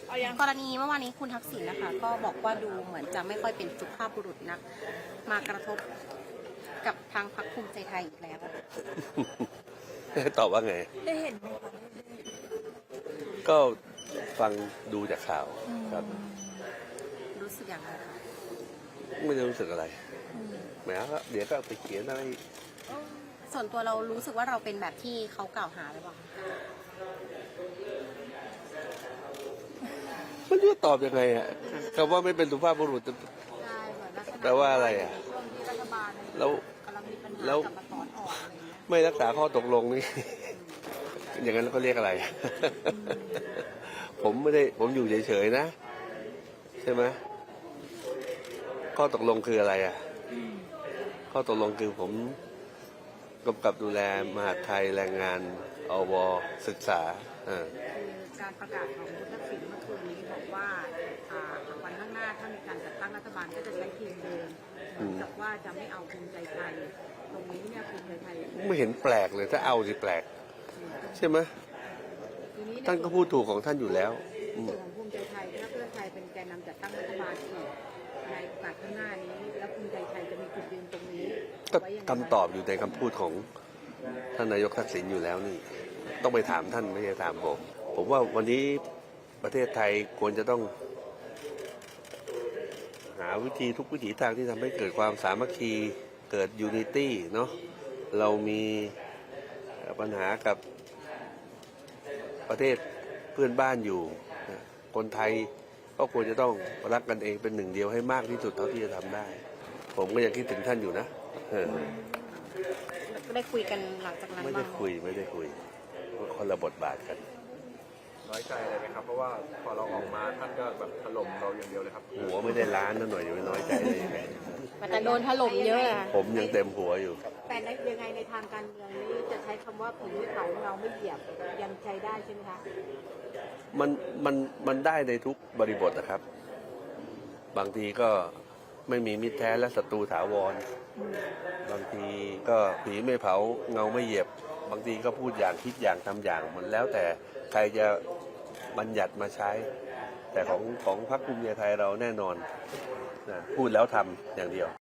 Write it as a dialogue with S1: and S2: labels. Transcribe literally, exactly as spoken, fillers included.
S1: กรณีเมื่อวานนี้คุณทักษิณนะคะก็บอกว่าดูเหมือนจะไม่ค่อยเป็นสุภาพบุรุษนักมากระทบกับทางพรรคภูมิใจไทยอีกแล้ว
S2: ตอบว่าไง
S1: ได้เห็นไหมคะ
S2: ก็ฟังดูจากข่าวครับ
S1: รู้สึกอย่างไรคะ
S2: ไม่ได้รู้สึกอะไรแหมก็เดี๋ยวก็ไปเขียนอะไร
S1: ส่วนตัวเรารู้สึกว่าเราเป็นแบบที่เขากล่าวหาหรือเปล่า
S2: ไม่รู้จะตอบยังไงอ่ะคำว่าไม่เป็นสุภาพบุรุษ
S1: ใช่เหมือนลักษณะ
S2: แปลว่าอะไรอ่ะ
S1: ช่วงที่รัฐบาล
S2: แล้ว
S1: กำลังมีปัญหา
S2: แล้ว
S1: กับมาถอนออกอะไรอย่างเงี้ย
S2: ไม่รักษาข้อตกลงนี่ อย่างนั้นก็เรียกอะไร ผมไม่ได้ผมอยู่เฉยๆนะใช่ไหมข้อตกลงคืออะไรอ่ะข้อตกลงคือผมกำกับดูแลมหาดไทยแรงงานอวศึกษาอ่า
S1: คือการประกาศของคุณทักษิณเมื่อคืนนี้บอกว่าอ่าวันข้างหน้าถ้ามีการจัดตั้งรัฐบาลก็จะใช้ทีมเดิมเหมือนกับว่าจะไม่เอาภูมิใจไทยตรงนี้เนี่ยภูมิใจไทย
S2: ไม่เห็นแปลกเลยถ้าเอาสิแปลกใช่ไหม
S1: ทีนี้
S2: ท่านก็พูดถูกของท่านอยู่แล้วอืม
S1: ส่วนของภูมิใจไทยถ้าเพื่อไทยเป็นแกนนำจัดตั้งรัฐบาลอีกในโอกาสข้างหน้านี้แล้วภูมิใจไทยจะมีจุดยืนตรงนี้
S2: ก็
S1: ไว้ยังไง
S2: คำตอบอยู่ในคำพูดของท่านนายกทักษิณอยู่แล้วนี่ ต้องไปถามท่านไม่ใช่ถามผมผมว่าวันนี้ประเทศไทยควรจะต้อง หาวิธีทุกวิถีทางที่ทำให้เกิดความสามัคคีเกิดยูนิตี้เนาะเรามีปัญหากับประเทศเพื่อนบ้านอยู่คนไทยก็ควรจะต้องรักกันเองเป็นหนึ่งเดียวให้มากที่สุดเท่าที่จะทำได้ ผมก็ยังคิดถึงท่านอยู่นะเออ
S1: ได้คุยกันหลังจากนั้น
S2: ไม่
S1: บ้า
S2: ได้
S1: ง
S2: คุยไม่ได้คุยคนละบทบาทกัน
S3: น้อยใจเลยไหมครับเพราะว่าพอเราออกมาท่านก็แบบถล่มเราอย่างเดียวเลยครับ
S2: หัวไม่ได้ล้านนั่นหน่อยอย่าไปน้อยใจเลยยังไง
S1: แต่โดนถล่มเยอะอะ
S2: ผมยังเต็มหัวอยู่
S1: แต่ในยังไงในทางการเมืองนี้จะใช้คำว่าผีไม่เผาเราไม่เหยียบยังใช้ได้ใช่ไหมคะ
S2: มันมันมันได้ในทุกบริบทนะครับ บางทีก็ไม่มีมิตรแท้และศัตรูถาวร บางทีก็ผีไม่เผาเงาไม่เหยียบ บางทีก็พูดอย่างคิดอย่างทำอย่างมันแล้วแต่ใครจะบัญญัติมาใช้ แต่ของของพรรคภูมิใจไทยเราแน่นอนนะพูดแล้วทำอย่างเดียว